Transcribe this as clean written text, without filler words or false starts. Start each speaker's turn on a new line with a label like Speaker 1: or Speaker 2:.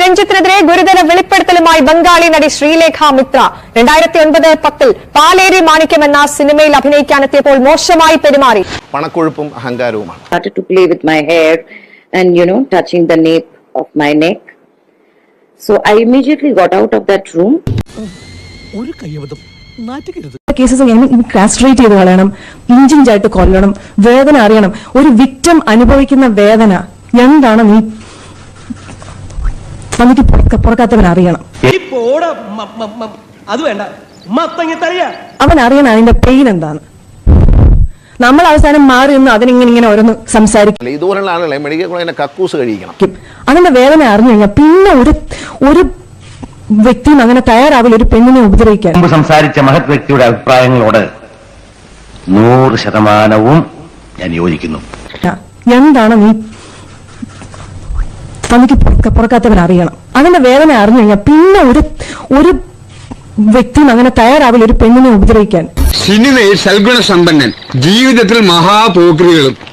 Speaker 1: രഞ്ജിത്തിനെതിരെ ഗുരുതര വെളിപ്പെടുത്തലുമായി ബംഗാളി നടി ശ്രീലേഖ മിത്ര 2009-10 പാലേരി മാണിക്യം എന്ന സിനിമയിൽ അഭിനയിക്കാനെത്തിയപ്പോൾ മോശമായി പെരുമാറി.
Speaker 2: പണക്കൊഴുപ്പും അഹങ്കാരവുമാണ്.
Speaker 3: Started to play with my hair and touching the nape of my neck. So I immediately got out of that room.
Speaker 4: ഒരു കയ്യബദ്ധം നാറ്റിക്കരുത്.
Speaker 5: കേസസ് കാസ്ട്രേറ്റ് ചെയ്ത് കളയണം, ഇഞ്ചിഞ്ചായിട്ട് കൊല്ലണം, വേദന അറിയണം. ഒരു വിക്ടിം അനുഭവിക്കുന്ന വേദന എന്താണ് നീ വന്നിട്ട് പുറക്കാത്തവൻ അറിയണം.
Speaker 4: അത് വേണ്ട,
Speaker 5: അവൻ അറിയണം അതിന്റെ പെയിൻ എന്താണ്. നമ്മൾ അവസാനം മാറി നിന്ന് അതിനിങ്ങനെ ഓരോന്ന് സംസാരിക്കും.
Speaker 2: ഇതുപോലുള്ള ആളുകളെ മെഡിക്കൽ കോളേജിനെ കക്കൂസ് കഴിക്കണം.
Speaker 5: അതിന്റെ വേദന അറിഞ്ഞു കഴിഞ്ഞാൽ പിന്നെ ഒരു വ്യക്തിയും അങ്ങനെ തയ്യാറാവില്ല ഒരു പെണ്ണിനെ ഉപദ്രവിക്കാൻ.
Speaker 6: സംസാരിച്ച മഹത് വ്യക്തിയുടെ അഭിപ്രായങ്ങളോട് 100% ഞാൻ യോജിക്കുന്നു.
Speaker 5: എന്താണ് നീ വന്നിട്ട് പുറക്കാത്തവൻ അറിയണം. അതിന്റെ വേദന അറിഞ്ഞു കഴിഞ്ഞാൽ പിന്നെ ഒരു വ്യക്തിയും അങ്ങനെ തയ്യാറാവില്ല ഒരു പെണ്ണിനെ ഉപദ്രവിക്കാൻ.
Speaker 7: സിനിമയിൽ സൽഗുണ സമ്പന്നൻ, ജീവിതത്തിൽ മഹാപോക്രികളും